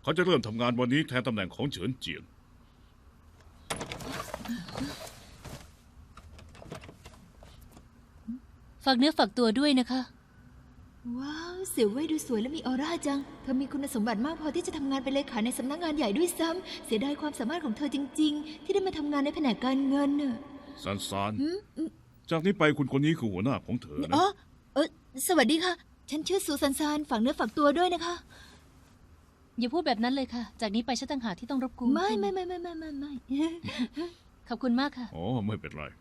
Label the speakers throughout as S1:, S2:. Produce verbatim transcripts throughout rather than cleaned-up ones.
S1: เขาจะเริ่มทำงานวันนี้แทนตำแหน่งของเฉินเจียง
S2: ฝากเนื้อฝากตัวด้วยนะคะ
S3: ว้าวเสี่ยวเว่ยดูสวยและมีออร่าจังเธอมีคุณสมบัติมากพอที่จะทำงานเป็นเลขาในสำนักงานใหญ่ด้วยซ้ำเสียดายความสามารถของเธอจริงๆที่ได้มาทำงานในแผนกการเงินน่ะ
S1: ซันซานจากนี้ไปคุณคนนี้คือหัวหน้าของเธอนะ
S3: อ๋อเออสวัสดีค่ะฉันชื่อซูซันซานฝากเนื้อฝากตัวด้วยนะคะ
S2: อย่าพูดแบบนั้นเลยค่ะจากนี้ไปฉันต่างหากที่ต้องรบกวน
S3: ไม่ไม่ไม่ไม่ไม่ไม่ไม่
S2: ขอบคุณมากค่ะ
S1: อ๋อไม่เป็นไร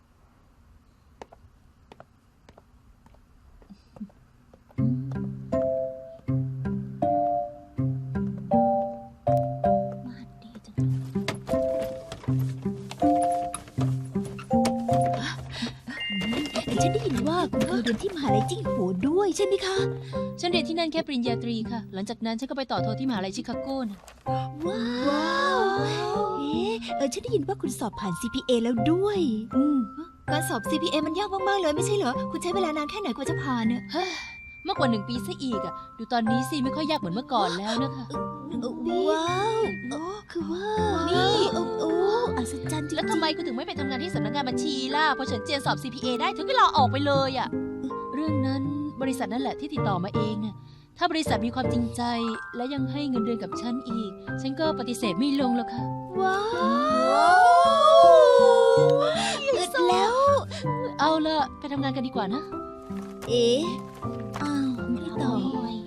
S3: ฉันได้ยินว่าคุณเคยเรียนที่มหาลัยจิ้งโหวด้วยใช่ไหมคะ
S2: ฉันเรียนที่นั่นแค่ปริญญาตรีค่ะหลังจากนั้นฉันก็ไปต่อโทที่มหาลัยชิคาโกนะ
S3: ว้าวเอ๊ะเออฉันได้ยินว่าคุณสอบผ่าน ซี พี เอ แล้วด้วยอืมการสอบ ซี พี เอ มันยากมากๆเลยไม่ใช่เหรอคุณใช้เวลานานแค่ไหนกว่าจะผ่านเนี่ย
S2: มากกว่าหนึ่งปีซะอีกอ่ะดูตอนนี้สิไม่ค่อยยากเหมือนเมื่อก่อนแล้วนะคะ
S3: ว้าวคือว่านี่โอ้โอ้อัศจรรย์จริงๆ
S2: แล้วทำไมคุณถึงไม่ไปทำงานที่สำนักงานบัญชีล่ะพอเฉินเจียนสอบ ซี พี เอ ได้ถึงก็ลาออกไปเลยอ่ะเรื่องนั้นบริษัทนั่นแหละที่ติดต่อมาเองนะถ้าบริษัทมีความจริงใจและยังให้เงินเดือนกับฉันอีกฉันก็ปฏิเสธไม่ลงหรอกค่ะ
S3: ว้าวแล้ว
S2: เอาละไปทำงานกันดีกว่านะ
S3: เอ๊ะอ้าวไม่ต่อ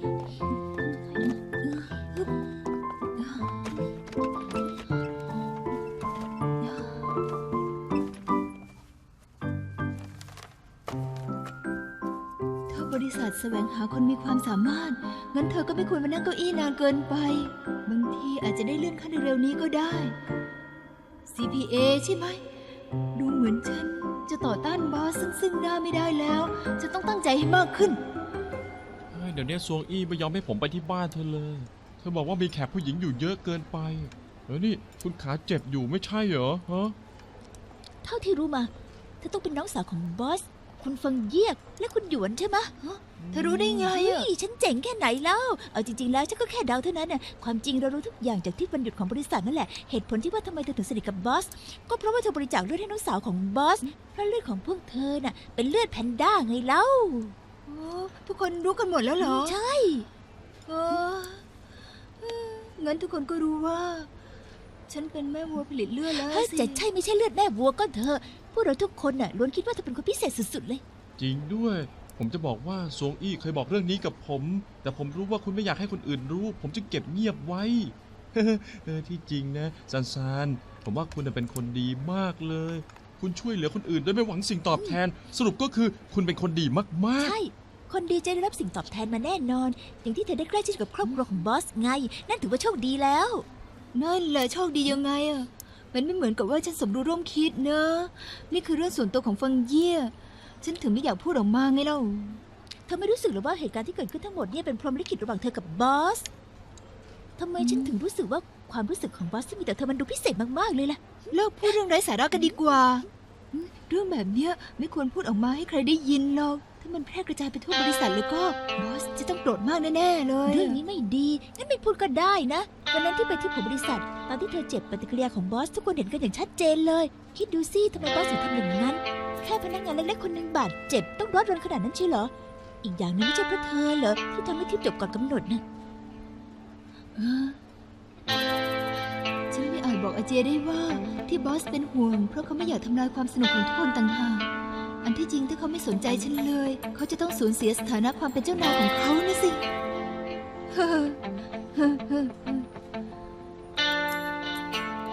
S3: บริษัทแสวงหาคนมีความสามารถงั้นเธอก็ไม่ควรมานั่งเก้าอี้นานเกินไปบางทีอาจจะได้เลื่อนขั้นเร็วๆนี้ก็ได้ ซี พี เอ ใช่ไหมดูเหมือนฉันจะต่อต้านบอสซึ่งซึ่งหน้าไม่ได้แล้วจะต้องตั้งใจให้มากขึ้น
S4: เดี๋ยวนี้ซวงอี้ไม่ยอมให้ผมไปที่บ้านเธอเลยเธอบอกว่ามีแขกผู้หญิงอยู่เยอะเกินไปแล้วนี่คุณขาเจ็บอยู่ไม่ใช่เหรอฮะ
S3: เท่าที่รู้มาเธอต้องเป็นน้องสาวของบอสคุณฟังเยียกและคุณหยวนใช่ไหมเธอรู้ได้ไงอ่ะฉันเจ๋งแค่ไหนแล้วเอาจริงๆแล้วฉันก็แค่เดาเท่านั้นน่ะความจริงเรารู้ทุกอย่างจากที่วันหยุดของบริษัทนั่นแหละเหตุผลที่ว่าทำไมเธอถึงสนิทกับบอสก็เพราะว่าเธอบริจาคเลือดให้น้องสาวของบอสเพราะเลือดของพวกเธอน่ะเป็นเลือดแพนด้าไงเล่าทุกคนรู้กันหมดแล้วเหรอใช่งั้นทุกคนก็รู้ว่าฉันเป็นแม่วัวผลิตเลือดแล้วสิจะใช่ไม่ใช่เลือดแม่วัวก็เถอะพวกเราทุกคนน่ะล้วนคิดว่าเธอเป็นคนพิเศษสุดๆเลย
S4: จริงด้วยผมจะบอกว่าซวงอี้เคยบอกเรื่องนี้กับผมแต่ผมรู้ว่าคุณไม่อยากให้คนอื่นรู้ผมจึงเก็บเงียบไว้เออที่จริงนะซันซานผมว่าคุณเป็นคนดีมากเลยคุณช่วยเหลือคนอื่นโดยไม่หวังสิ่งตอบแทนสรุปก็คือคุณเป็นคนดีมากๆ
S3: ใช่คนดีจะได้รับสิ่งตอบแทนมาแน่นอนอย่างที่เธอได้ใกล้ชิดกับครอบครัวของบอสไงนั่นถือว่าโชคดีแล้วนั่นแหละโชคดียังไงอะมันไม่เหมือนกับว่าฉันสมรู้ร่วมคิดนะนี่คือเรื่องส่วนตัวของฟังเย่ฉันถึงไม่อยากพูดออกมาไงเล่าเธอไม่รู้สึกหรือว่าเหตุการณ์ที่เกิดขึ้นทั้งหมดเนี่ยเป็นพรหมลิขิตระหว่างเธอกับบอสทำไมฉันถึงรู้สึกว่าความรู้สึกของบอสที่มีแต่เธอมันดูพิเศษมากๆเลยล่ะเลิกพูดเรื่องไร้สาระกันดีกว่าเรื่องแบบเนี้ยไม่ควรพูดออกมาให้ใครได้ยินหรอกถ้ามันแพร่กระจายไปทั่วบริษัทแล้วก็บอสจะต้องโกรธมากแน่ๆเลยเรื่องนี้ไม่ดีงั้นไม่พูดก็ได้นะวันนั้นที่ไปที่ผมบริษัทตอนที่เธอเจ็บปฏิกิริยาของบอสทุกคนเห็นกันอย่างชัดเจนเลยคิดดูสิทำไมบอสถึงทำอย่างนั้นแค่พนักงานเล็กๆคนหนึ่งบาดเจ็บต้องร้อนรนขนาดนั้นใช่เหรออีกอย่างนึงไม่ใช่เพราะเธอเหรอที่ทำให้ทริปจบก่อนกำหนดนะฉันไม่อาจบอกอาเจได้ว่าที่บอสเป็นห่วงเพราะเขาไม่อยากทำลายความสนุกของทุกคนต่างหากอันที่จริงถ้าเขาไม่สนใจฉันเลยเขาจะต้องสูญเสียสถานะความเป็นเจ้านายของเขานะสิ